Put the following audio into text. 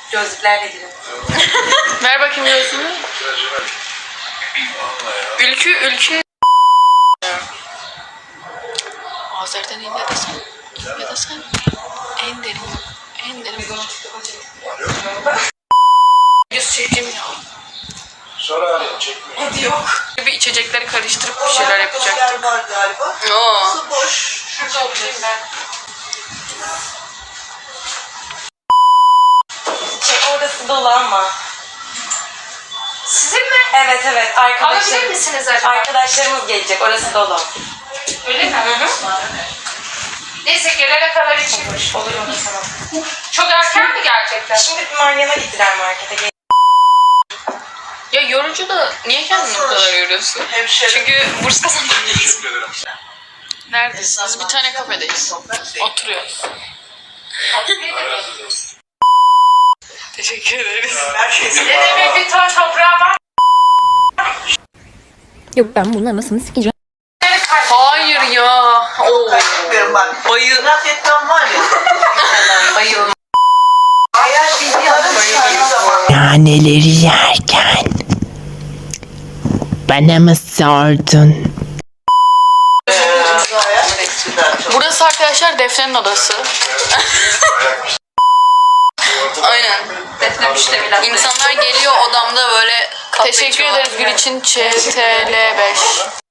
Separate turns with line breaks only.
Gözlüklerle girin.
Ver bakayım gözünü. Ülkü. Azer'den in ya da sen. Ya da sen. En derin. Yüz çekeyim ya.
Sonra arayayım çekmiyor.
Hadi yok.
Bir içecekleri karıştırıp bir şeyler yapacaktık.
Var galiba.
Oo.
Su boş. Şurada oturayım ben. Orası dolu ama.
Sizin mi?
Evet
Alabilir misiniz acaba?
Arkadaşlarımız gelecek. Orası dolu.
Öyle mi? Neyse gelene kadar içilmiş.
Olur mu sana?
Çok erken mi gerçekten?
Şimdi bir Meryem'e gittiler markete.
Ya yorucu da niye kendini bu kadar yoruyorsun? Çünkü burs kazanmak.
Teşekkür ederim.
Neredesiniz? Bir tane kafedeyiz. Oturuyoruz. Teşekkür ederiz.
Ne demek bir ton toprağı var?
Yok ben bunun anasını sikeceğim.
Hayır ya. Oo.
Bayıl. Laf etmem var ya.
Bayılma.
Eğer bildiği adam zaman.
Naneleri yerken bana mı sordun?
Burası arkadaşlar Defne'nin odası. Aynen.
Defne müştemilat.
İnsanlar geliyor odamda böyle teşekkür ederiz Gül için ÇTL5.